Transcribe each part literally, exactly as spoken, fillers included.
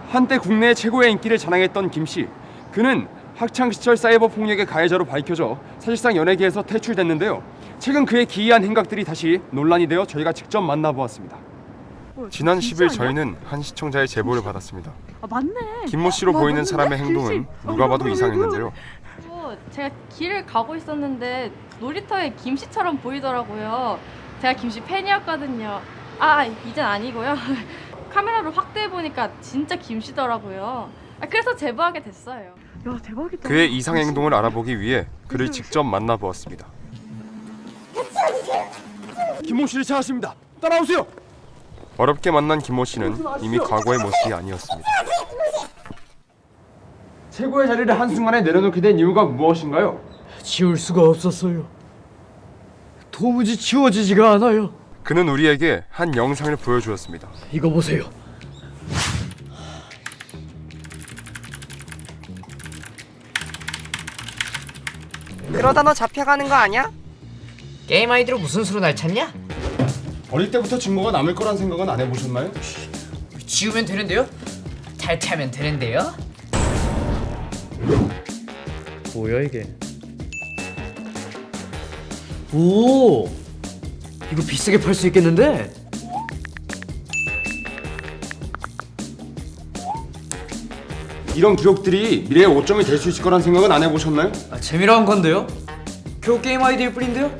한때 국내 최고의 인기를 자랑했던 김 씨. 그는 학창시절 사이버 폭력의 가해자로 밝혀져 사실상 연예계에서 퇴출됐는데요. 최근 그의 기이한 행각들이 다시 논란이 되어 저희가 직접 만나보았습니다. 지난 십 일 저희는 한 시청자의 제보를 받았습니다. 아 맞네. 김모 씨로 와, 보이는 맞는데? 사람의 행동은 누가 봐도 이상했는데요. 또 제가 길을 가고 있었는데 놀이터에 김 씨처럼 보이더라고요. 제가 김 씨 팬이었거든요. 아 이젠 아니고요. 카메라로 확대해 보니까 진짜 김 씨더라고요. 아, 그래서 제보하게 됐어요. 야 대박이다. 그의 이상 행동을 알아보기 위해 그를 직접 만나보았습니다. 김모 씨를 찾았습니다. 따라오세요. 어렵게 만난 김모 씨는 이미 과거의 모습이 아니었습니다. 최고의 자리를 한순간에 내려놓게 된 이유가 무엇인가요? 지울 수가 없었어요. 도무지 지워지지가 않아요. 그는 우리에게 한 영상을 보여주었습니다. 이거 보세요. 그러다 너 잡혀가는 거 아니야? 게임 아이디로 무슨 수로 날 찾냐? 어릴 때부터 증거가 남을 거란 생각은 안 해보셨나요? 지우면 되는데요? 잘 차면 되는데요? 뭐야 이게? 오, 이거 비싸게 팔 수 있겠는데? 이런 기록들이 미래의 오점이 될 수 있을 거란 생각은 안 해보셨나요? 아, 재미로 한 건데요? 겨우 게임 아이디일 뿐인데요?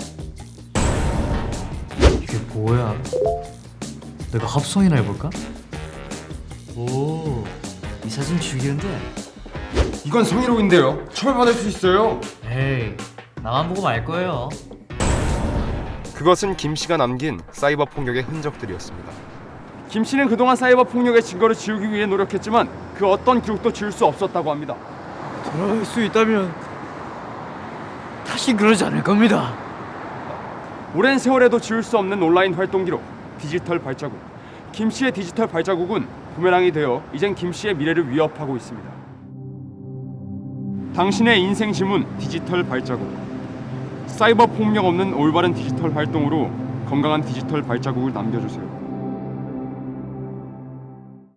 이게 뭐야? 내가 합성이나 해볼까? 오, 이 사진 죽이는데? 이건 성희롱인데요. 처벌받을 수 있어요. 에이, 나만 보고 말 거예요. 그것은 김 씨가 남긴 사이버 폭력의 흔적들이었습니다. 김 씨는 그동안 사이버 폭력의 증거를 지우기 위해 노력했지만 그 어떤 기록도 지울 수 없었다고 합니다. 돌아갈 수 있다면 다시 그러지 않을 겁니다. 오랜 세월에도 지울 수 없는 온라인 활동 기록, 디지털 발자국. 김 씨의 디지털 발자국은 부메랑이 되어 이젠 김 씨의 미래를 위협하고 있습니다. 당신의 인생 지문 디지털 발자국. 사이버 폭력 없는 올바른 디지털 활동으로 건강한 디지털 발자국을 남겨주세요.